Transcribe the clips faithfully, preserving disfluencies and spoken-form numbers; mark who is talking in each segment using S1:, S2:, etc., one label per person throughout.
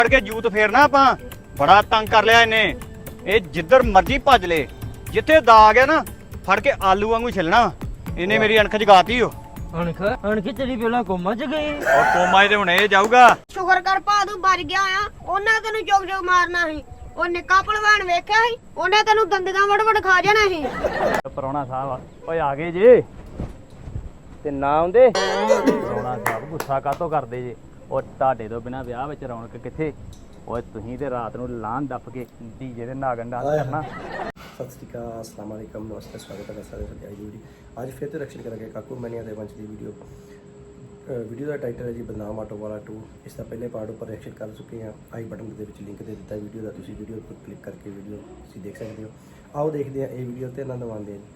S1: ਫੜ ਕੇ ਜੂਤ ਫੇਰਨਾ ਆਪਾਂ ਬੜਾ ਤੰਗ ਕਰ ਲਿਆ ਇਹਨੇ। ਇਹ ਜਿੱਧਰ ਮਰਜ਼ੀ ਭੱਜ ਲੇ, ਜਿੱਥੇ ਦਾਗ ਹੈ ਨਾ ਫੜ ਕੇ ਆਲੂ ਵਾਂਗੂ ਛਿਲਣਾ। ਇਹਨੇ ਮੇਰੀ ਅਣਖ ਜਗਾਤੀ ਓ।
S2: ਅਣਖ ਅਣਖ ਤੇਰੀ ਪਹਿਲਾਂ ਕੋਮਾ ਚ ਗਈ।
S1: ਉਹ ਕੋਮਾ ਤੇ ਹੁਣ ਇਹ ਜਾਊਗਾ।
S3: ਸ਼ੁਕਰ ਕਰ ਭਾਦੂ ਬਚ ਗਿਆ ਆ, ਉਹਨਾਂ ਤੈਨੂੰ ਚੁੱਕ ਚੁੱਕ ਮਾਰਨਾ ਸੀ। ਉਹ ਨਿੱਕਾ ਭਲਵਾਨ ਵੇਖਿਆ ਸੀ, ਉਹਨੇ ਤੈਨੂੰ ਦੰਦਗਾ ਵੜ ਵੜ ਖਾ ਜਾਣਾ ਸੀ।
S1: ਪਰੌਣਾ ਸਾਹਿਬ ਓਏ ਆ ਗਏ ਜੇ ਤੇ ਨਾ ਆਉਂਦੇ। ਪਰੌਣਾ ਸਾਹਿਬ ਗੁੱਸਾ ਕਾਤੋਂ ਕਰਦੇ ਜੇ? ਉਹ ਤੁਹਾਡੇ ਤੋਂ ਬਿਨਾ ਵਿਆਹ ਵਿੱਚ ਰੌਣਕ ਕਿੱਥੇ? ਓਏ ਤੁਸੀਂ ਤੇ ਰਾਤ ਨੂੰ ਲਾਨ ਦੱਪ ਕੇ ਡੀਜੇ ਦੇ ਨਾਗਨ ਡਾਂਸ ਕਰਨਾ।
S4: ਸਤਿ ਸ਼੍ਰੀ ਅਕਾਲ, अस्सलाम वालेकुम, नमस्ते, स्वागत है सारे साथी आज वीडियो आज फिर तो रिएक्शन करेंगे काकू मैनिया ਦੇ ਵੰਸ਼ ਦੀ ਵੀਡੀਓ। ਵੀਡੀਓ ਦਾ ਟਾਈਟਲ ਹੈ ਜੀ ਬਦਨਾਮ ਆਟੋ ਵਾਲਾ ਟੂ। ਇਸ ਦਾ ਪਹਿਲੇ ਪਾਰਟ ਉੱਪਰ ਰਿਐਕਸ਼ਨ ਕਰ ਚੁੱਕੇ ਹਾਂ। ਆਈ ਬਟਨ ਦੇ ਵਿੱਚ ਲਿੰਕ ਦੇ ਦਿੱਤਾ ਵੀਡੀਓ ਦਾ, ਤੁਸੀਂ ਵੀਡੀਓ ਉੱਪਰ ਕਲਿੱਕ ਕਰਕੇ ਵੀਡੀਓ ਤੁਸੀਂ ਦੇਖ ਸਕਦੇ ਹੋ। ਆਓ ਦੇਖਦੇ ਹਾਂ ਇਹ ਵੀਡੀਓ ਤੇ ਆਨੰਦ ਮਾਣਦੇ ਹਾਂ।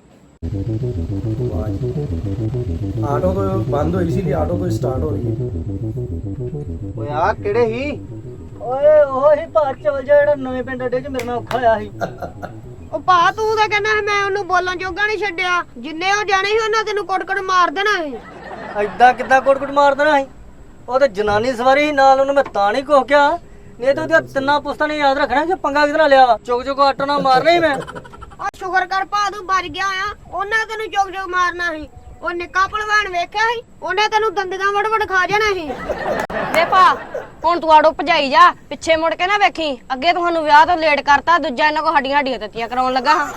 S4: ਆਟੋ ਤੋਂ ਬੰਦ ਹੋਈ ਸੀ ਲਈ ਆਟੋ ਤੋਂ ਸਟਾਰਟ ਹੋ ਰਹੀ ਹੈ।
S2: ਓਏ ਆ ਕਿਹੜੇ ਹੀ? ਓਏ ਉਹ ਹੀ ਭਾਗ ਚਵਲ ਜਿਹੜਾ ਨਵੇਂ ਪਿੰਡ ਅੱਡੇ ਚ ਮੇਰੇ ਨਾਲ ਔਖਾ ਹੋਇਆ ਸੀ।
S3: ਉਹ ਭਾ ਤੂੰ ਤਾਂ ਕਹਿੰਦਾ ਸੀ ਮੈਂ ਉਹਨੂੰ ਬੋਲਣ ਜੋਗਾ ਨਹੀਂ ਛੱਡਿਆ। ਜਿੰਨੇ ਉਹ ਜਾਣੇ ਸੀ ਉਹਨਾਂ ਤੈਨੂੰ ਕੁੱਟ-ਕੁੱਟ ਮਾਰ ਦੇਣਾ ਸੀ।
S2: ਐਦਾਂ ਕਿੱਦਾਂ ਕੋਟ-ਕੋਟ ਮਾਰ ਦੇਣਾ ਸੀ? ਉਹ ਤੇ ਜਨਾਨੀ ਸਵਾਰੀ ਸੀ ਨਾਲ, ਉਹਨੂੰ ਮੈਂ ਤਾਂ ਨਹੀਂ ਕੁਛ ਕਿਹਾ। ਨਹੀਂ ਤਾਂ ਉਹਦੀਆਂ ਤਿੰਨਾਂ ਪੁਸਤਾਂ ਨੇ ਯਾਦ ਰੱਖਣਾ ਕਿ ਪੰਗਾ ਕਿਹਦੇ ਨਾਲ ਲਿਆ ਵਾ। ਚੁੱਕ ਚੁੱਕ ਆਟੋ ਨਾਲ ਮਾਰਨਾ ਹੀ ਮੈਂ।
S3: ਉਹ ਸ਼ੁਕਰ ਕਰ ਭਾਦੂ ਬਚ ਗਿਆ ਆ, ਉਹਨਾਂ ਤੈਨੂੰ ਚੁੱਕ ਚੁੱਕ ਮਾਰਨਾ ਸੀ। ਉਹ ਨਿੱਕਾ ਭਲਵਾਨ ਵੇਖਿਆ ਸੀ, ਉਹਨੇ ਤੈਨੂੰ ਦੰਦਗਾ ਵੜ ਵੜ ਖਾ ਜਾਣਾ ਸੀ।
S5: ਵੇ ਭਾ ਹੁਣ ਤੂੰ ਆੜੋ ਭਜਾਈ ਜਾ, ਪਿੱਛੇ ਮੁੜ ਕੇ ਨਾ ਵੇਖੀ। ਅੱਗੇ ਤੁਹਾਨੂੰ ਵਿਆਹ ਤੋਂ ਲੇਟ ਕਰਤਾ, ਦੂਜਾ ਇਹਨਾਂ ਕੋ ਹੱਡੀਆਂ ਹੱਡੀਆਂ ਤੱਤੀਆਂ ਕਰਾਉਣ ਲੱਗਾ ਹਾਂ।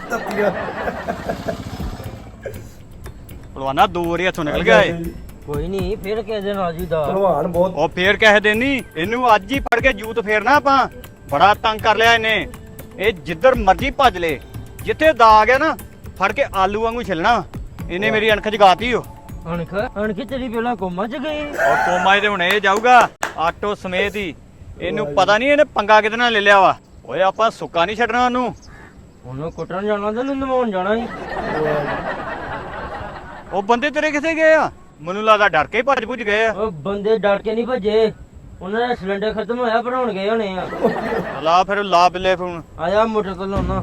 S1: ਭਲਵਾਨਾ ਦੋ ਵਾਰੀ ਹੱਥੋਂ ਨਿਕਲ ਗਿਆ ਏ।
S2: ਕੋਈ ਨਹੀਂ, ਫਿਰ ਕਿਸੇ ਦਿਨ ਆ ਜੀਦਾ।
S4: ਭਲਵਾਨ ਬਹੁਤ
S1: ਉਹ ਫੇਰ ਕਹਿ ਦੇਣੀ ਇਹਨੂੰ ਅੱਜ ਹੀ ਫੜ ਕੇ ਜੂਤ ਫੇਰਨਾ ਆਪਾਂ ਬੜਾ ਤੰਗ ਕਰ ਲਿਆ ਇਹਨੇ। ਇਹ ਜਿੱਧਰ ਮਰਜ਼ੀ ਭੱਜ ਲੇ, ਜਿੱਥੇ ਦਾਗ ਹੈ ਨਾ ਫੜ ਕੇ ਆਲੂ ਵਾਂਗੂ ਛਿਲਣਾ। ਇਹਨੇ ਮੇਰੀ ਅਣਖ ਜਗਾਤੀ ਓ।
S2: ਅਣਖ ਅਣਖ ਤੇਰੀ ਪਹਿਲਾਂ ਕੋਮਾ ਚ ਗਈ।
S1: ਉਹ ਕੋਮਾ ਤੇ ਹੁਣ ਇਹ ਜਾਊਗਾ ਆਟੋ ਸਮੇਤ ਹੀ। ਇਹਨੂੰ ਪਤਾ ਨਹੀਂ ਇਹਨੇ ਪੰਗਾ ਕਿਹਦੇ ਨਾਲ ਲੈ ਲਿਆ ਵਾ। ਓਏ ਆਪਾਂ ਸੁੱਕਾ ਨਹੀਂ ਛੱਡਣਾ ਉਹਨੂੰ।
S2: ਉਹਨੂੰ ਕੁੱਟਣ ਜਾਣਾ ਤੇ ਉਹਨੂੰ ਨਵਾਉਣ ਜਾਣਾ ਸੀ।
S1: ਉਹ ਬੰਦੇ ਤੇਰੇ ਕਿੱਥੇ ਗਏ ਆ? ਮੈਨੂੰ ਲੱਗਦਾ ਡਰ ਕੇ ਹੀ ਭੱਜ ਭੁੱਜ ਗਏ ਆ।
S2: ਉਹ ਬੰਦੇ ਡਰ ਕੇ ਨਹੀਂ ਭੱਜੇ, ਉਹਨਾਂ ਦਾ ਸਿਲੰਡਰ ਖਤਮ ਹੋਇਆ, ਭਰਾਉਣ ਗਏ ਹੋਣੇ ਆ।
S1: ਲਾ ਫਿਰ ਲਾ ਬਿੱਲੇ ਫੋਨ।
S2: ਆ ਜਾ ਮੋਟਰ ਤੋਂ ਲਾਉਣਾ।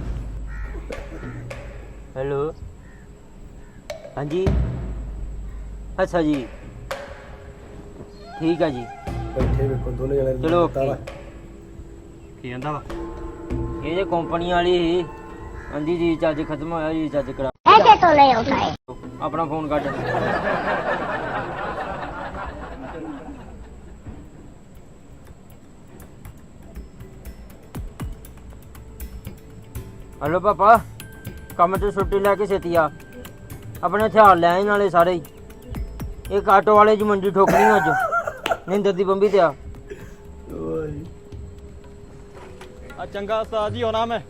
S2: ਹੈਲੋ ਹਾਂਜੀ, ਅੱਛਾ ਜੀ, ਠੀਕ ਆ ਜੀ।
S4: ਬੈਠੇ ਵੇਖੋ ਦੋਨੇ ਜਣੇ।
S2: ਚਲੋ ਓਕੇ।
S1: ਕੀ ਕਹਿੰਦਾ ਵਾ?
S2: ਇਹ ਜੇ ਕੰਪਨੀ ਵਾਲੀ ਸੀ, ਹਾਂਜੀ ਜੀ ਚਾਰਜ ਖਤਮ ਹੋਇਆ ਜੀ, ਚਾਰਜ ਕਰਾ।
S3: ਐਸੇ ਤੋਂ ਲੈ ਆਉਂਦਾ ਹੈ।
S2: ਆਪਣਾ ਫੋਨ ਕੱਢ। ਹਲੋ ਪਾਪਾ, ਕੰਮ ਤੋਂ ਛੁੱਟੀ ਲੈ ਕੇ ਛੇਤੀ ਆ। ਆਪਣੇ ਹਥਿਆਰ ਲੈ ਆਈ ਨਾਲੇ ਸਾਰੇ ਹੀ। ਇੱਕ ਆਟੋ ਵਾਲੇ ਦੀ ਮੰਡੀ ਠੋਕਣੀ ਅੱਜ, ਨਿੰਦਰ ਦੀ ਬੰਬੀ ਤੇ ਆ।
S1: ਆ ਚੰਗਾ ਉਸਤਾਦ ਜੀ ਹੋਣਾ ਮੈਂ।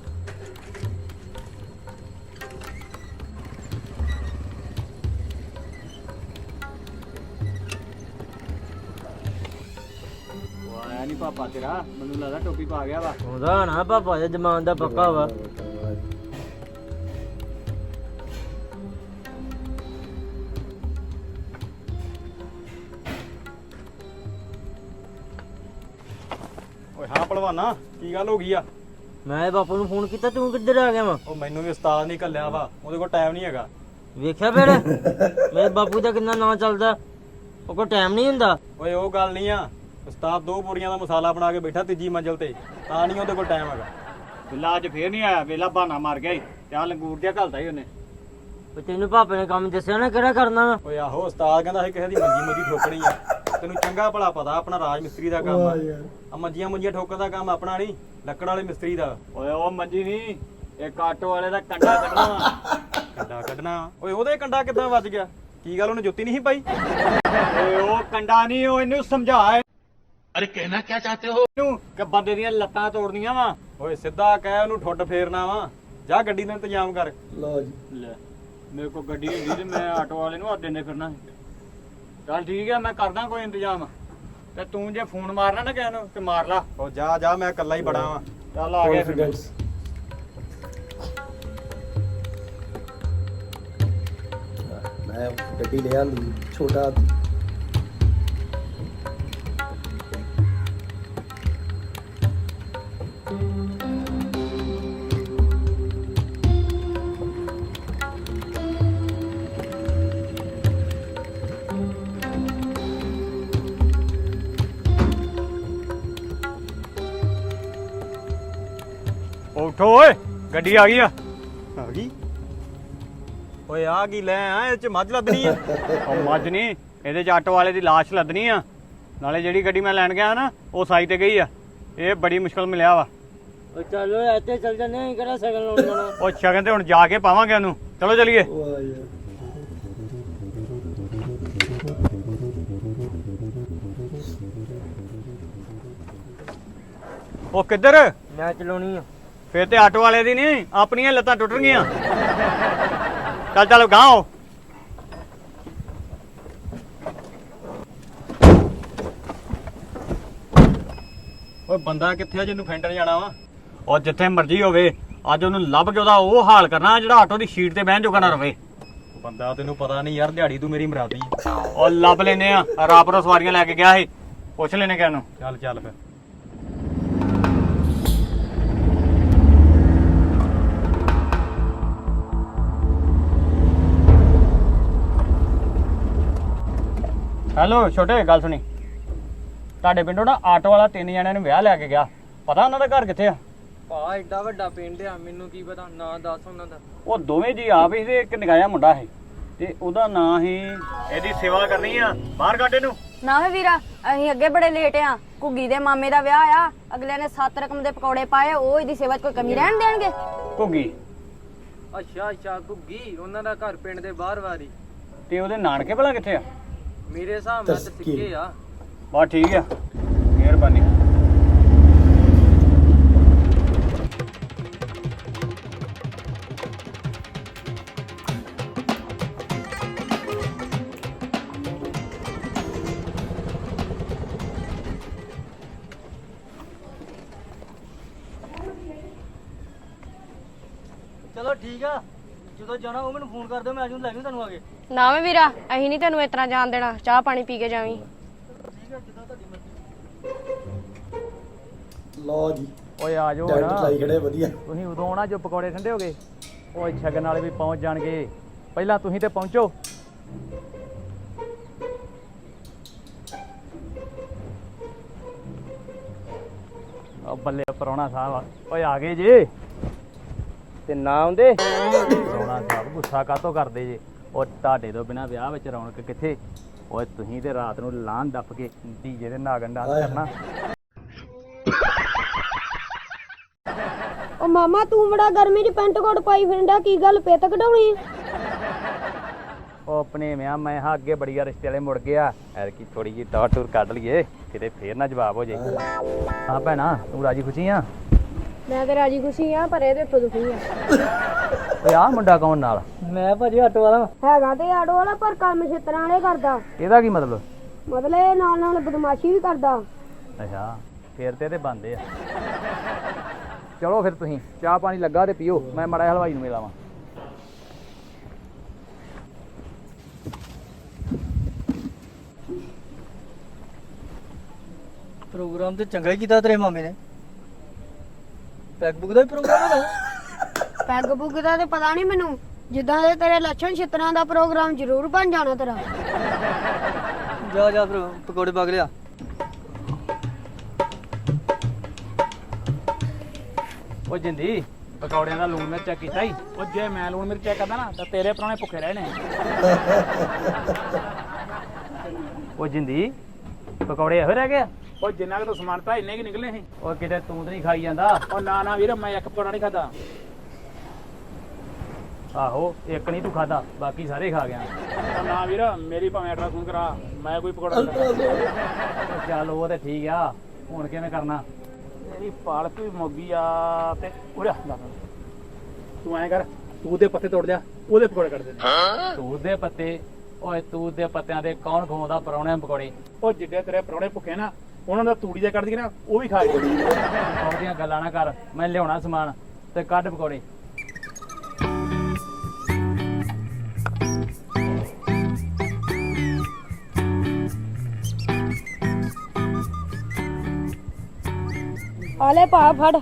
S1: ਆਇਆ ਨਹੀਂ ਪਾਪਾ ਤੇਰਾ? ਮੈਨੂੰ ਲੱਗਦਾ ਟੋਪੀ ਪਾ ਗਿਆ ਵਾ।
S2: ਉਹਦਾ ਨਾ ਪਾਪਾ ਦੇ ਜਮਾਨ ਦਾ ਪੱਕਾ ਵਾ।
S1: ਓਏ ਹਾਂ ਭਲਵਾਨਾ, ਕੀ ਗੱਲ ਹੋ ਗਈ ਆ?
S2: ਮੈਂ ਬਾਪੂ ਨੂੰ ਫੋਨ ਕੀਤਾ, ਤੂੰ ਕਿੱਧਰ ਆ ਗਿਆ ਵਾ?
S1: ਉਹ ਮੈਨੂੰ ਵੀ ਉਸਤਾਦ ਨਹੀਂ ਘੱਲਿਆ ਵਾ, ਉਹਦੇ ਕੋਲ ਟਾਈਮ ਨਹੀਂ ਹੈਗਾ।
S2: ਵੇਖਿਆ ਫਿਰ ਮੇਰੇ ਬਾਪੂ ਦਾ ਕਿੰਨਾ ਨਾਂ ਚੱਲਦਾ, ਉਹ ਕੋਲ ਟਾਈਮ ਨਹੀਂ ਹੁੰਦਾ।
S1: ਓਏ ਉਹ ਗੱਲ ਨਹੀਂ ਆ, ਉਸਤਾਦ ਦੋ ਬੋਰੀਆਂ ਦਾ ਮਸਾਲਾ ਬਣਾ ਕੇ ਬੈਠਾ ਤੀਜੀ ਮੰਜ਼ਲ ਤੇ, ਤਾਂ ਨਹੀਂ ਉਹਦੇ ਕੋਲ ਟਾਈਮ ਹੈਗਾ। ਬਿੱਲਾ ਅੱਜ ਫੇਰ ਨਹੀਂ ਆਇਆ, ਵੇਲਾ ਬਹਾਨਾ ਮਾਰ ਗਿਆ ਈ ਤੇ ਆ ਲੰਗੂਰ ਜਿਹਾ ਘਲਦਾ ਹੀ ਉਹਨੇ।
S2: ਉਹ ਤੈਨੂੰ ਪਾਪੇ ਨੇ ਕੰਮ ਦੱਸਿਆ ਨਾ ਕਿਹੜਾ ਕਰਨਾ ਵਾ।
S1: ਓਏ ਆਹੋ, ਉਸਤਾਦ ਕਹਿੰਦਾ ਸੀ ਕਿਸੇ ਦੀ ਮੰਜੀ ਮੁੰਜੀ ਠੋਕਣੀ ਆ। ਤੈਨੂੰ ਚੰਗਾ ਭਲਾ ਪਤਾ ਆਪਣਾ ਰਾਜ ਮਿਸਤਰੀ ਦਾ ਕੰਮ ਆ। ਆ ਮੰਜੀਆਂ ਮੁੰਜੀਆਂ ਠੋਕਣ ਦਾ ਕੰਮ ਆਪਣਾ ਨਹੀਂ, ਲੱਕੜ ਵਾਲੇ ਮਿਸਤਰੀ ਦਾ। ਓਏ ਉਹ ਮੰਜੀ ਨਹੀਂ, ਇਹ ਆਟੋ ਵਾਲੇ ਦਾ ਕੰਡਾ ਕੱਢਣਾ ਵਾ। ਕੰਡਾ ਕੱਢਣਾ? ਓਏ ਉਹਦੇ ਕੰਡਾ ਕਿੱਦਾਂ ਵੱਜ ਗਿਆ? ਕੀ ਗੱਲ ਉਹਨੇ ਜੁੱਤੀ ਨਹੀਂ ਸੀ ਪਾਈ? ਓਏ ਉਹ ਕੰਡਾ ਨਹੀਂ, ਉਹ ਇਹਨੂੰ ਸਮਝਾ। ਅਰੇ ਕਹਿਣਾ ਕੀ ਚਾਹਤੇ ਹੋ? ਇਹਨੂੰ ਕਿ ਬੰਦੇ ਦੀਆਂ ਲੱਤਾਂ ਤੋੜਨੀਆਂ ਵਾ। ਓਏ ਸਿੱਧਾ ਕਹਿ ਉਹਨੂੰ ਠੁੱਡ ਫੇਰਨਾ ਵਾ। ਜਾ ਗੱਡੀ ਦਾ ਇੰਤਜ਼ਾਮ ਕਰ।
S4: ਲਓ ਜੀ।
S1: ਲੈ ਮੇਰੇ ਕੋਲ ਗੱਡੀ ਹੁੰਦੀ ਤੇ ਮੈਂ ਆਟੋ ਵਾਲੇ ਨੂੰ ਅੱਡੇ ਨੇ ਫਿਰਨਾ ਸੀ। ਚੱਲ ਠੀਕ ਹੈ, ਮੈਂ ਕਰਦਾ ਕੋਈ ਇੰਤਜ਼ਾਮ। ਤੇ ਤੂੰ ਜੇ ਫੋਨ ਮਾਰਨਾ ਨਾ ਕਿਸੇ ਨੂੰ ਤੇ ਮਾਰ ਲਾ। ਉਹ ਜਾ ਜਾ, ਮੈਂ ਇਕੱਲਾ ਹੀ ਬੜਾ ਵਾਂ। ਚੱਲ ਆ ਗਿਆ ਫਿਰ।
S4: ਮੈਂ ਗੱਡੀ ਲੈ ਆਂਦੀ ਛੋਟਾ।
S1: ਉਠੋ ਓਏ ਗੱਡੀ ਆ ਗਈ ਆ
S4: ਆ ਗਈ
S1: ਓਏ ਆ ਕੀ ਲੈ ਆ ਇਹ ਚ ਮੱਝ ਲੱਦਣੀ ਆ ਉਹ ਮੱਝ ਨਹੀਂ ਇਹਦੇ ਚ ਆਟੋ ਵਾਲੇ ਦੀ ਲਾਸ਼ ਲੱਦਣੀ ਆ ਨਾਲੇ ਜਿਹੜੀ ਗੱਡੀ ਮੈਂ ਲੈਣ ਗਿਆ ਨਾ ਉਹ ਸਾਈ ਤੇ ਗਈ ਆ ਇਹ ਬੜੀ ਮੁਸ਼ਕਲ ਮਿਲਿਆ ਵਾ
S2: ਓ ਚਲੋ ਇੱਥੇ ਚੱਲ ਜਾਂਦੇ ਆਂ ਕਿਹੜਾ ਸ਼ਗਨ ਲਾਉਣ ਜਾਣਾ
S1: ਉਹ ਸ਼ਗਨ ਤੇ ਹੁਣ ਜਾ ਕੇ ਪਾਵਾਂਗੇ ਉਹਨੂੰ ਚਲੋ ਚਲੀਏ
S4: ਵਾਹ ਯਾਰ
S1: ਉਹ ਕਿੱਧਰ
S2: ਮੈਂ ਚਲਾਉਣੀ ਆ
S1: ਫੇਰ ਤੇ ਆਟੋ ਵਾਲੇ ਦੀ ਨਹੀਂ ਆਪਣੀਆਂ ਲੱਤਾਂ ਟੁੱਟ ਗਈਆਂ ਚੱਲ ਚੱਲ ਗਾਂ ਹੋ ਓਏ ਬੰਦਾ ਕਿੱਥੇ ਆ ਜਿਹਨੂੰ ਫੈਂਟਰ ਜਾਣਾ ਵਾ ਉਹ ਜਿੱਥੇ ਮਰਜ਼ੀ ਹੋਵੇ ਅੱਜ ਉਹਨੂੰ ਲੱਭ ਕੇ ਉਹਦਾ ਉਹ ਹਾਲ ਕਰਨਾ ਜਿਹੜਾ ਆਟੋ ਦੀ ਸ਼ੀਟ ਤੇ ਬਹਿਣ ਜੋਗਾ ਨਾ ਰਵੇ ਬੰਦਾ ਤੈਨੂੰ ਪਤਾ ਨਹੀਂ ਯਾਰ ਦਿਹਾੜੀ ਤੂੰ ਮੇਰੀ ਮਰਾਦੀ ਉਹ ਲੱਭ ਲੈਨੇ ਆ ਰਾਪਰੋ ਸਵਾਰੀਆਂ ਲੈ ਕੇ ਗਿਆ ਸੀ ਪੁੱਛ ਲੈਨੇ ਕਿਹਨੂੰ ਚੱਲ ਚੱਲ ਫਿਰ ਹੈਲੋ ਛੋਟੇ ਗੱਲ ਸੁਣੀ ਤੁਹਾਡੇ ਪਿੰਡੋਂ ਨਾ ਆਟੋ ਵਾਲਾ ਤਿੰਨ ਜਣਿਆਂ ਨੂੰ ਵਿਆਹ ਲੈ ਕੇ ਗਿਆ ਪਤਾ ਉਹਨਾਂ ਦਾ ਘਰ ਕਿੱਥੇ ਆ
S2: ਭਾ ਏਡਾ ਵੱਡਾ ਪਿੰਡ ਆ ਮੈਨੂੰ ਕੀ ਪਤਾ ਨਾਂ ਦੱਸ ਉਹਨਾਂ ਦਾ
S1: ਉਹ ਦੋਵੇਂ ਜੀ ਆਪ ਹੀ ਤੇ ਇੱਕ ਨਿਗਾਇਆ ਮੁੰਡਾ ਹੈ ਤੇ ਉਹਦਾ ਨਾਂ ਹੀ ਇਹਦੀ ਸੇਵਾ ਕਰਨੀ ਆ ਬਾਹਰ ਕੱਢ ਇਹਨੂੰ
S5: ਨਾ ਵੇ ਵੀਰਾ ਅਸੀਂ ਅੱਗੇ ਬੜੇ ਲੇਟ ਆ ਘੁੱਗੀ ਦੇ ਮਾਮੇ ਦਾ ਵਿਆਹ ਆ ਅਗਲੇ ਨੇ ਸੱਤ ਰਕਮ ਦੇ ਪਕੌੜੇ ਪਾਏ ਉਹ ਇਹਦੀ ਸੇਵਾ 'ਚ ਕੋਈ ਕਮੀ ਰਹਿਣ ਦੇਣਗੇ
S1: ਘੁੱਗੀ
S2: ਅੱਛਾ ਅੱਛਾ ਘੁੱਗੀ ਉਹਨਾਂ ਦਾ ਘਰ ਪਿੰਡ ਦੇ ਬਾਹਰ ਵਾਰੀ
S1: ਤੇ ਉਹਦੇ ਨਾਨਕੇ ਭਲਾ ਕਿੱਥੇ ਆ
S2: ਮੇਰੇ ਹਿਸਾਬ ਨਾਲ ਤੇ ਸਿੱਕੇ ਆ
S1: ਬਸ ਠੀਕ ਆ ਮਿਹਰਬਾਨੀ
S2: ਚਲੋ ਠੀਕ ਆ ਜਦੋਂ ਜਾਣਾ ਉਹ ਮੈਨੂੰ ਫੋਨ ਕਰ ਦਿਓ ਮੈਂ ਆ ਜੂ ਲੈ ਜੂ ਤੁਹਾਨੂੰ ਆ ਕੇ
S5: ਨਾ ਵੇ ਵੀਰਾ ਅਸੀਂ ਨਹੀਂ ਤੈਨੂੰ ਇਸ ਤਰ੍ਹਾਂ ਜਾਣ ਦੇਣਾ ਚਾਹ ਪਾਣੀ ਪੀ ਕੇ ਜਾਵੀਂ
S2: ਠੀਕ ਆ ਜਿੱਦਾਂ ਤੁਹਾਡੀ ਮਰਜ਼ੀ
S4: ਲਓ ਜੀ
S1: ਓਏ ਆ ਜਾਓ
S4: ਟੈਂਟ ਲਾਈ ਖੜੇ ਵਧੀਆ
S1: ਤੁਸੀਂ ਉਦੋਂ ਆਉਣਾ ਜੋ ਪਕੌੜੇ ਠੰਡੇ ਹੋ ਗਏ ਓਏ ਛਗਨ ਵਾਲੇ ਵੀ ਪਹੁੰਚ ਜਾਣਗੇ ਪਹਿਲਾਂ ਤੁਸੀਂ ਤੇ ਪਹੁੰਚੋ ਆ ਬੱਲੇ ਪਰੌਣਾ ਸਾਹਿਬ ਓਏ ਆ ਗਏ ਜੇ ਤੇ ਨਾ ਆਉਂਦੇ ਪਰੌਣਾ ਸਾਹਿਬ ਗੁੱਸਾ ਕਾਤੋਂ ਕਰਦੇ ਜੇ ਉਹ ਤੁਹਾਡੇ ਤੋਂ ਬਿਨਾ ਵਿਆਹ ਵਿੱਚ ਰੌਣਕ ਕਿੱਥੇ ਓਏ ਤੁਸੀਂ ਤੇ ਰਾਤ ਨੂੰ ਲਾਂਨ ਦੱਪ ਕੇ ਡੀਜੇ ਦੇ ਨਾਗਨ ਡਾਂਸ ਕਰਨਾ
S3: ਉਹ ਮਾਮਾ ਤੂੰ ਬੜਾ ਗਰਮੀ 'ਚ ਪੈਂਟ ਕੋਟ ਪਾਈ ਫਿਰਦਾ ਕੀ ਗੱਲ ਪਿੱਤ ਕਢਾਉਣੀ
S1: ਉਹ ਆਪਣੇ ਵਿਆਹ ਮੈਂ ਹਾਂ ਅੱਗੇ ਬੜੀ ਆ ਰਿਸ਼ਤੇ ਵਾਲੇ ਮੁੜ ਗਿਆ ਐਰ ਕੀ ਥੋੜੀ ਜਿਹੀ ਦੌੜ ਟੂਰ ਕੱਢ ਲਈਏ ਕਿਤੇ ਫੇਰ ਨਾ ਜਵਾਬ ਹੋ ਜਾਏ ਹਾਂ ਭੈਣਾ ਤੂੰ ਰਾਜੀ ਖੁਸ਼ੀ ਆ
S5: ਮੈਂ ਤੇ ਰਾਜੀ ਖੁਸ਼ੀ ਆ ਪਰ ਇਹਦੇ ਤੋਂ ਦੁਖੀ ਆ
S1: ਓਏ ਆ ਮੁੰਡਾ ਕੌਣ ਨਾਲ
S2: ਮੈਂ ਭਾਜੀ ਆਟੋ ਵਾਲਾ
S3: ਹੈਗਾ ਤੇ ਆਟੋ ਵਾਲਾ ਪਰ ਕੰਮ ਛਿੱਤਰਾਂ ਵਾਲੇ ਕਰਦਾ
S1: ਇਹਦਾ ਕੀ ਮਤਲਬ
S3: ਮਤਲਬ ਇਹ ਨਾਲ ਨਾਲ ਬਦਮਾਸ਼ੀ ਵੀ ਕਰਦਾ
S1: ਅੱਛਾ ਫੇਰ ਤੇ ਇਹਦੇ ਬੰਦੇ ਆ ਚਲੋ ਫਿਰ ਤੁਸੀਂ ਚਾਹ ਪਾਣੀ ਲੱਗਾ ਤੇ ਪੀਓ ਮੈਂ ਮੜਾ ਹਲਵਾਈ ਨੂੰ ਮਿਲਾਵਾਂ
S2: ਪ੍ਰੋਗਰਾਮ ਤੇ ਚੰਗਾ ਹੀ ਕੀਤਾ ਤੇਰੇ ਮਾਮੇ ਨੇ ਪੈਗ ਬੁੱਕ ਦਾ ਵੀ ਪ੍ਰੋਗਰਾਮ ਹੈਗਾ
S3: ਪੈਗ ਪੁੱਗ ਦਾ ਤੇ ਪਤਾ ਨਹੀਂ ਮੈਨੂੰ ਜਿੱਦਾਂ ਦੇ ਤੇਰੇ ਲੱਛਣ ਛਿੱਤਰਾਂ ਦਾ ਪ੍ਰੋਗਰਾਮ ਜ਼ਰੂਰ ਬਣ ਜਾਣਾ ਤੇਰਾ
S2: ਜਾ ਜਾ ਫਿਰ ਪਕੌੜੇ ਪਾ ਕੇ ਲਿਆ
S1: ਉਹ ਜਿੰਦੀ ਪਕੌੜਿਆਂ ਦਾ ਲੂਣ ਮਿਰਚ ਚੈੱਕ ਕੀਤਾ ਹੀ ਉਹ ਜੇ ਮੈਂ ਲੂਣ ਮਿਰਚ ਚੈੱਕ ਕਰਦਾ ਨਾ ਤਾਂ ਤੇਰੇ ਪਰਾਣੇ ਭੁੱਖੇ ਰਹਿਣੇ ਉਹ ਜਿੰਦੀ ਪਕੌੜੇ ਇਹੋ ਰਹਿ ਗਏ
S6: ਉਹ ਜਿੰਨਾ ਕੁ ਤੋਂ ਸਮਾਨ ਤਾਂ ਇੰਨੇ ਕੀ ਨਿਕਲੇ ਸੀ
S1: ਉਹ ਕਿਤੇ ਤੂੰ ਤਾਂ ਨਹੀਂ ਖਾਈ ਜਾਂਦਾ
S6: ਉਹ ਨਾ ਨਾ ਵੀਰ ਮੈਂ ਇੱਕ ਪਕੌੜਾ ਨਹੀਂ ਖਾਦਾ
S1: ਆਹੋ ਇੱਕ ਨਹੀਂ ਤੂੰ ਖਾਦਾ ਬਾਕੀ ਸਾਰੇ ਖਾ ਗਿਆ
S6: ਉਹ ਨਾ ਵੀਰ ਮੇਰੀ ਭਾਵੇਂ ਅਲਟਰਾਸਾਊਂਡ ਕਰਾ ਮੈਂ ਕੋਈ ਪਕੌੜਾ ਨਹੀਂ ਖਾਦਾ
S1: ਉਹ ਚੱਲ ਉਹ ਤੇ ਠੀਕ ਆ ਹੁਣ ਕਿਵੇਂ ਕਰਨਾ
S6: ਮੇਰੀ ਪਾਲਕ ਵੀ ਮੋਗੀ ਆ ਤੇ ਉਰੇ ਆ ਤੂੰ ਐਂ ਕਰ ਤੂੰ ਦੇ ਪੱਤੇ ਤੋੜ ਲਿਆ ਉਹਦੇ ਪਕੌੜੇ ਕੱਢ ਦੇ
S1: ਤੂਤ ਦੇ ਪੱਤੇ ਓਏ ਤੂਤ ਦੇ ਪੱਤਿਆਂ ਦੇ ਕੌਣ ਖਵਾਉਂਦਾ ਪਰੌਣਿਆਂ ਪਕੌੜੇ
S6: ਉਹ ਜਿੱਡੇ ਤੇਰੇ ਪਰੌਣੇ ਭੁੱਖੇ ਨਾ ਉਹਨਾਂ ਦਾ ਤੂੜੀ ਦੇ ਕੱਢ ਦੀ ਨਾ ਉਹ ਵੀ ਖਾ ਗਏ
S1: ਉਹਦੀਆਂ ਗੱਲਾਂ ਨਾ ਕਰ ਮੈਂ ਲਿਆਉਣਾ ਸਮਾਨ ਤੇ ਕੱਢ ਪਕੌੜੇ
S3: ਆਲੇ ਭਾ ਫੜ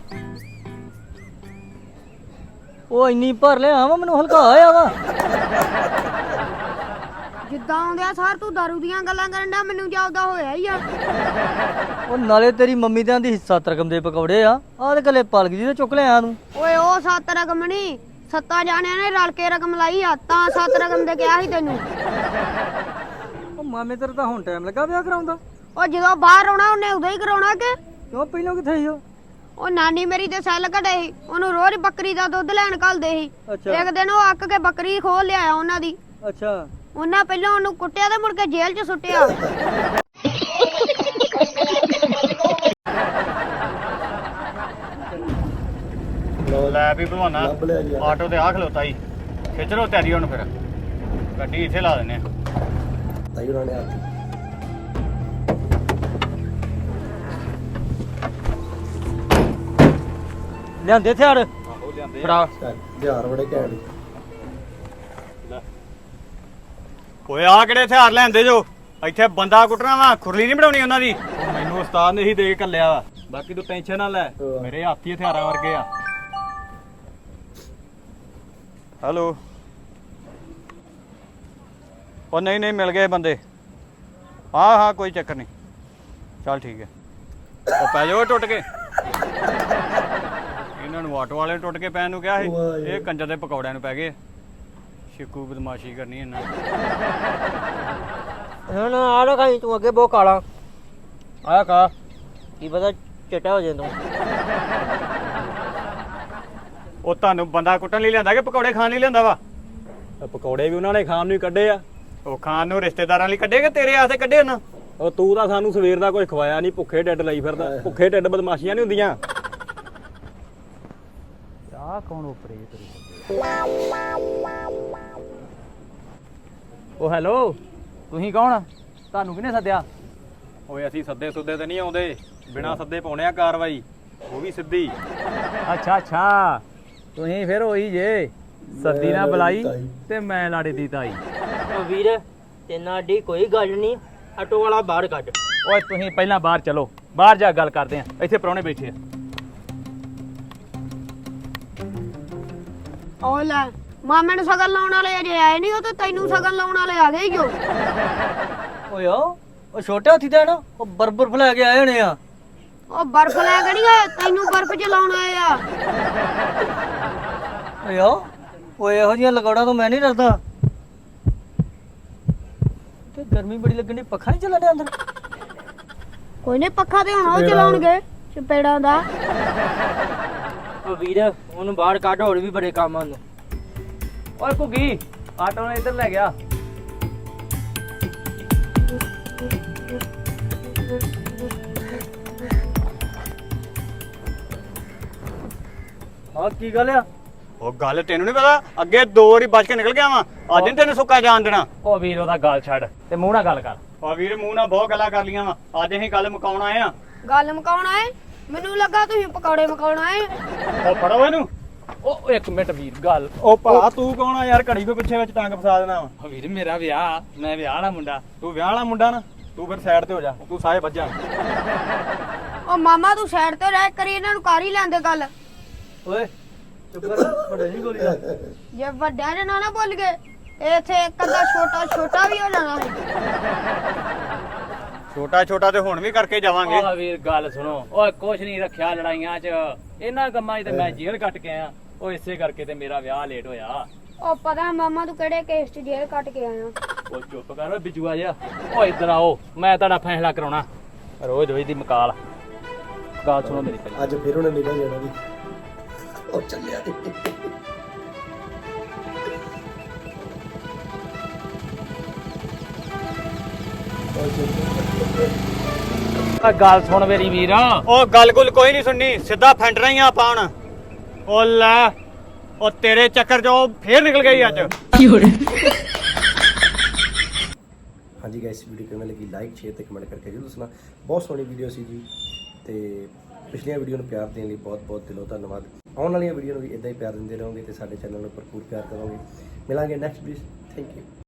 S2: ਉਹ ਇੰਨੀ ਭਰ ਲਿਆ ਵਾ ਮੈਨੂੰ ਹਲਕਾ ਹੋਇਆ ਵਾ
S3: ਜਿੱਦਾਂ ਆਉਂਦਿਆ ਸਰ ਤੂੰ ਦਾਰੂ ਦੀਆਂ ਗੱਲਾਂ ਕਰਨ ਦਾ ਮੈਨੂੰ ਜਾਪਦਾ ਹੋਇਆ ਹੀ ਆ।
S2: ਉਹ ਨਾਲੇ ਤੇਰੀ ਮੰਮੀ ਦੇ ਆਂਦੀ ਹਿੱਸਾ ਰਕਮ ਦੇ ਪਕੌੜੇ ਆ ਆਹ ਤੇ ਗੱਲੇ ਪਲਕ ਜੀ ਤੇ ਚੁੱਕ ਲਿਆ ਤੂੰ।
S3: ਓਏ ਉਹ ਸੱਤ ਰਕਮ ਨਹੀਂ, ਸੱਤਾਂ ਜਾਣਿਆਂ ਨੇ ਰਲ ਕੇ ਰਕਮ ਲਾਈ ਆ ਤਾਂ ਸੱਤ ਰਕਮ ਦੇ ਕਿਹਾ ਸੀ ਤੈਨੂੰ।
S2: ਉਹ ਮਾਮੇ ਤੇਰੇ ਤਾਂ ਹੁਣ ਟਾਈਮ ਲੱਗਾ ਵਿਆਹ ਕਰਾਉਂਦਾ।
S3: ਉਹ ਜਦੋਂ ਬਾਹਰ ਆਉਣਾ ਉਹਨੇ ਉਦੋਂ ਹੀ ਕਰਾਉਣਾ ਕਿ
S2: ਕਿਉਂ ਪਹਿਲਾਂ ਕਿੱਥੇ ਸੀ ਉਹ?
S3: ਉਹ ਨਾਨੀ ਮੇਰੀ ਤੇ ਸੈੱਲ ਘਟੇ ਸੀ, ਉਹਨੂੰ ਰੋਜ਼ ਬੱਕਰੀ ਦਾ ਦੁੱਧ ਲੈਣ ਘੱਲਦੇ ਸੀ।
S2: ਅੱਛਾ
S3: ਇੱਕ ਦਿਨ ਉਹ ਅੱਕ ਕੇ ਬੱਕਰੀ ਖੋਲ ਲਿਆਇਆ ਉਹਨਾਂ ਦੀ।
S2: ਅੱਛਾ
S3: ਉਹਨਾਂ ਪਹਿਲਾਂ ਉਹਨੂੰ ਕੁੱਟਿਆ ਤੇ ਮੁੜ ਕੇ ਜੇਲ੍ਹ 'ਚ ਸੁੱਟਿਆ।
S1: ਲੈ ਵੀ ਭਲਵਾਨਾ
S4: ਲੱਭ ਲਿਆ ਜੀ
S1: ਆਟੋ ਤੇ ਆ ਖਲੋਤਾ ਹੀ ਖਿੱਚ ਲੋ ਤਿਆਰੀ ਹੁਣ ਫਿਰ ਗੱਡੀ ਇੱਥੇ ਲਾ ਦਿੰਨੇ ਆ।
S4: ਤਾਈ ਉਹਨਾਂ ਨੇ ਆਤੀ
S2: ਲਿਆਂਦੇ ਹਥਿਆਰ
S1: ਆਹੋ ਲਿਆਂਦੇ
S2: ਫੜਾ।
S4: ਹਥਿਆਰ ਬੜੇ ਘੈਂਟ।
S1: ਓਏ ਆ ਕਿਹੜੇ ਹਥਿਆਰ ਲੈਂਦੇ ਜੋ ਇੱਥੇ ਬੰਦਾ ਕੁੱਟਣਾ ਵਾ ਖੁਰਲੀ ਨਹੀਂ ਬਣਾਉਣੀ ਉਹਨਾਂ ਦੀ। ਮੈਨੂੰ ਉਸਤਾਦ ਨੇ ਹੀ ਦੇ ਕੇ ਘੱਲਿਆ ਵਾ ਬਾਕੀ ਤੂੰ ਟੈਨਸ਼ਨ ਨਾ ਲੈ ਮੇਰੇ ਹੱਥੀ ਹਥਿਆਰਾਂ ਵਰਗੇ ਆ। ਹੈਲੋ ਉਹ ਨਹੀਂ ਨਹੀਂ ਮਿਲ ਗਏ ਬੰਦੇ। ਹਾਂ ਹਾਂ ਕੋਈ ਚੱਕਰ ਨਹੀਂ ਚੱਲ ਠੀਕ ਹੈ। ਉਹ ਪੈ ਜਾਓ ਟੁੱਟ ਕੇ ਇਹਨਾਂ ਨੂੰ ਆਟੋ ਵਾਲੇ ਨੂੰ ਟੁੱਟ ਕੇ ਪੈਣ ਨੂੰ ਕਿਹਾ ਸੀ ਇਹ ਕੰਜਰ ਦੇ ਪਕੌੜਿਆਂ ਨੂੰ ਪੈ ਗਏ। ਸ਼ਿਕੂ ਬਦਮਾਸ਼ੀ ਕਰਨੀ ਇਹਨਾਂ
S2: ਹੁਣ ਆ ਲੋ ਖਾਈ ਤੂੰ ਅੱਗੇ ਬਹੁਤ ਕਾਲਾ ਆਇਆ ਕਾ ਕੀ ਪਤਾ ਚਟਾ ਹੋ ਜਾਏ ਤੂੰ।
S1: ਉਹ ਤੁਹਾਨੂੰ ਬੰਦਾ ਕੁੱਟਣ ਲਈ ਲਿਆਂਦਾ ਕਿ ਪਕੌੜੇ ਖਾਣ ਲਈ ਲਿਆਂਦਾ ਵਾ? ਪਕੌੜੇ ਵੀ ਉਹਨਾਂ ਨੇ ਖਾਣ ਨੂੰ ਹੀ ਕੱਢੇ ਆ। ਉਹ ਖਾਣ ਨੂੰ ਰਿਸ਼ਤੇਦਾਰਾਂ ਲਈ ਕੱਢੇ ਕਿ ਤੇਰੇ ਆਸੇ ਕੱਢੇ ਉਹਨਾਂ? ਉਹ ਤੂੰ ਤਾਂ ਸਾਨੂੰ ਸਵੇਰ ਦਾ ਕੁਝ ਖਵਾਇਆ ਨਹੀਂ, ਭੁੱਖੇ ਢਿੱਡ ਲਈ ਫਿਰਦਾ। ਭੁੱਖੇ ਢਿੱਡ ਬਦਮਾਸ਼ੀਆਂ ਨਹੀਂ ਹੁੰਦੀਆਂ।
S6: ਆ ਕੌਣ ਉਪਰੇ ਤੇਰੀ? ਉਹ ਹੈਲੋ ਤੁਸੀਂ ਕੌਣ? ਤੁਹਾਨੂੰ ਕਿਹਨੇ ਸੱਦਿਆ?
S1: ਓਏ ਅਸੀਂ ਸੱਦੇ ਸੁੱਦੇ ਤੇ ਨਹੀਂ ਆਉਂਦੇ, ਬਿਨਾਂ ਸੱਦੇ ਪਾਉਣੇ ਆ ਕਾਰਵਾਈ, ਉਹ ਵੀ ਸਿੱਧੀ।
S6: ਅੱਛਾ ਅੱਛਾ ਤੁਸੀਂ ਫਿਰ ਉਹੀ ਜੇ ਸੱਦੀ ਨਾ ਬੁਲਾਈ ਤੇ ਮੈਂ ਲਾੜੇ ਦੀ ਤਾਈ।
S2: ਉਹ ਵੀਰ ਤੇਨਾਂ ਡੀ ਕੋਈ ਗੱਲ ਨਹੀਂ, ਆਟੋ ਵਾਲਾ ਬਾਹਰ ਕੱਢ।
S6: ਓਏ ਤੁਸੀਂ ਪਹਿਲਾਂ ਬਾਹਰ ਚਲੋ, ਬਾਹਰ ਜਾ ਗੱਲ ਕਰਦੇ ਆ, ਇੱਥੇ ਪ੍ਰਾਹੁਣੇ ਬੈਠੇ ਆ।
S3: ਉਹ ਲੈ ਮਾਮੇ ਨੂੰ ਸਗਨ ਲਾਉਣ ਵਾਲੇ ਅਜੇ ਆਏ ਨਹੀਂ, ਉਹ ਤੇ ਤੈਨੂੰ ਸਗਨ ਲਾਉਣ ਵਾਲੇ ਆ ਗਏ ਈ ਓ।
S2: ਓਏ ਉਹ ਛੋਟੇ ਹਾਥੀ ਦਾ ਨਾ ਉਹ ਬਰਬਰ ਲੈ ਕੇ ਆਏ ਹੋਣੇ ਆ।
S3: ਉਹ ਬਰਫ਼ ਲੈ ਕੇ ਨਹੀਂ ਆਏ, ਤੈਨੂੰ ਬਰਫ਼ 'ਚ ਲਾਉਣ ਆਏ ਆ।
S2: ਓਏ ਓਏ ਇਹੋ ਜਿਹੀਆਂ ਲਗੌੜਾਂ ਤੋਂ ਮੈਂ ਨਹੀਂ ਡਰਦਾ। ਤੇ ਗਰਮੀ ਬੜੀ ਲੱਗਣੀ, ਪੱਖਾ ਨਹੀਂ ਚੱਲਣ ਡਿਆ ਅੰਦਰ?
S3: ਕੋਈ ਨਹੀਂ ਪੱਖਾ ਤੇ ਹੁਣ ਉਹ ਚਲਾਉਣਗੇ ਚਪੇੜਾਂ ਦਾ।
S2: ਉਹ ਵੀਰ ਉਹਨੂੰ ਬਾਹਰ ਕੱਢ, ਹੋਰ ਵੀ ਬੜੇ ਕੰਮ ਹਨ।
S6: ਓਏ ਘੁੱਗੀ ਆਟੋ ਨੇ ਇੱਧਰ ਲੈ ਗਿਆ।
S2: ਹਾਂ ਕੀ ਗੱਲ ਆ?
S1: ਉਹ ਗੱਲ ਤੈਨੂੰ ਨਹੀਂ ਪਤਾ, ਅੱਗੇ ਦੋ ਵਾਰੀ ਬਚ ਕੇ ਨਿਕਲ ਗਿਆ ਵਾ, ਅੱਜ ਨੀ ਤੈਨੂੰ ਸੁੱਕਾ ਜਾਣ ਦੇਣਾ।
S6: ਓ ਵੀਰ ਉਹਦਾ ਗੱਲ ਛੱਡ ਤੇ ਮੂੰਹ ਨਾਲ ਗੱਲ ਕਰ।
S1: ਆ ਵੀਰ ਮੂੰਹ ਨਾਲ ਬਹੁਤ ਗੱਲਾਂ ਕਰ ਲੀਆਂ ਵਾ, ਅੱਜ ਅਸੀਂ ਗੱਲ ਮੁਕਾਉਣ ਆਏ ਆ।
S3: ਗੱਲ ਮੁਕਾਉਣ ਆਏ? ਮੈਨੂੰ ਲੱਗਾ ਤੁਸੀਂ ਪਕੌੜੇ ਮੁਕਾਉਣ ਆਏ।
S1: ਉਹ ਫੜੋ ਇਹਨੂੰ।
S6: ਓ ਇੱਕ ਮਿੰਟ ਵੀਰ ਗੱਲ।
S1: ਉਹ ਭਾ ਤੂੰ ਕੌਣ ਆ ਯਾਰ, ਘੜੀ ਕੋ ਪਿੱਛੇ ਵਿੱਚ ਟੰਗ ਫਸਾ ਦੇਣਾ ਵਾ।
S6: ਓ ਵੀਰ ਮੇਰਾ ਵਿਆਹ, ਮੈਂ ਵਿਆਹ ਵਾਲਾ ਮੁੰਡਾ।
S1: ਤੂੰ ਵਿਆਹ ਵਾਲਾ ਮੁੰਡਾ ਨਾ, ਤੂੰ ਫਿਰ ਸਾਈਡ ਤੇ ਹੋ ਜਾ, ਤੂੰ ਸਾਹੇ ਵੱਜਾ।
S3: ਉਹ ਮਾਮਾ ਤੂੰ ਸਾਈਡ ਤੇ ਰਹਿ ਕਰੀ, ਇਹਨਾਂ ਨੂੰ ਕਰ ਹੀ ਲੈਂਦੇ ਗੱਲ।
S2: ਓਏ ਚੁੱਪ ਕਰ, ਬੜੇ ਨਹੀਂ ਗੋਲੀ ਦਾ।
S3: ਜੇ ਵੱਡਿਆਂ ਨੇ ਨਾ ਨਾ ਭੁੱਲ ਗਏ ਇੱਥੇ ਇੱਕ ਅੱਧਾ ਛੋਟਾ ਛੋਟਾ ਵੀ ਹੋ ਜਾਣਾ ਸੀ।
S1: ਛੋਟਾ ਛੋਟਾ ਤੇ ਹੁਣ ਵੀ ਕਰਕੇ ਜਾਵਾਂਗੇ।
S6: ਓ ਵੀਰ ਗੱਲ ਸੁਣੋ, ਓਏ ਕੁਛ ਨਹੀਂ ਰੱਖਿਆ ਲੜਾਈਆਂ 'ਚ, ਇਹਨਾਂ ਕੰਮਾਂ 'ਚ ਤੇ ਮੈਂ ਜੇਲ੍ਹ ਕੱਟ ਕੇ ਆਇਆ। ਓ ਇਸੇ ਕਰਕੇ ਤੇ ਮੇਰਾ ਵਿਆਹ ਲੇਟ ਹੋਇਆ।
S3: ਉਹ ਪਤਾ ਮਾਮਾ ਤੂੰ ਕਿਹੜੇ ਕੇਸ 'ਚ ਜੇਲ੍ਹ ਕੱਟ ਕੇ ਆਇਆ।
S6: ਓ ਚੁੱਪ ਕਰ ਓਏ ਬਿਜੂਆ ਜਿਹਾ। ਓ ਇੱਧਰ ਆਓ, ਮੈਂ ਤੁਹਾਡਾ ਫੈਸਲਾ ਕਰਾਉਣਾ। ਰੋਜ਼ ਰੋਜ਼ ਦੀ ਮਕਾਲ। ਗੱਲ ਸੁਣੋ ਮੇਰੀ ਪਹਿਲਾਂ।
S4: ਅੱਜ ਫਿਰ ਉਹਨੇ ਨਿਕਲ ਜਾਣਾ ਵੀ ਉਹ ਚੱਲਿਆ ਨੀ।
S6: ਆ ਗੱਲ ਸੁਣ ਮੇਰੀ ਵੀਰ।
S1: ਉਹ ਗੱਲ ਗੁੱਲ ਕੋਈ ਨਹੀਂ ਸੁਣਨੀ, ਸਿੱਧਾ ਫੈਂਟਣਾ ਹੀ ਆ ਆਪਾਂ ਹੁਣ। ਉਹ ਲੈ ਉਹ ਤੇਰੇ ਚੱਕਰ 'ਚ ਉਹ ਫੇਰ ਨਿਕਲ ਗਈ ਅੱਜ।
S4: ਹਾਂਜੀ ਗਾਇਸ, ਵੀਡੀਓ ਕਿਵੇਂ ਲੱਗੀ ਲਾਈਕ ਸ਼ੇਅਰ ਤੇ ਕਮੈਂਟ ਕਰਕੇ ਜਰੂਰ ਦੱਸਣਾ। ਬਹੁਤ ਸੋਹਣੀ ਵੀਡੀਓ ਸੀ ਜੀ, ਤੇ ਪਿਛਲੀਆਂ ਵੀਡੀਓ ਨੂੰ ਪਿਆਰ ਦੇਣ ਲਈ ਬਹੁਤ ਬਹੁਤ ਦਿਲੋਂ ਧੰਨਵਾਦ। ਆਉਣ ਵਾਲੀਆਂ ਵੀਡੀਓ ਨੂੰ ਵੀ ਇਦਾਂ ਹੀ ਪਿਆਰ ਦਿੰਦੇ ਰਹੋਗੇ ਤੇ ਸਾਡੇ ਚੈਨਲ ਨੂੰ ਭਰਪੂਰ ਪਿਆਰ ਕਰੋਗੇ। ਮਿਲਾਂਗੇ ਨੈਕਸਟ ਵੀਡੀਓ। Thank you.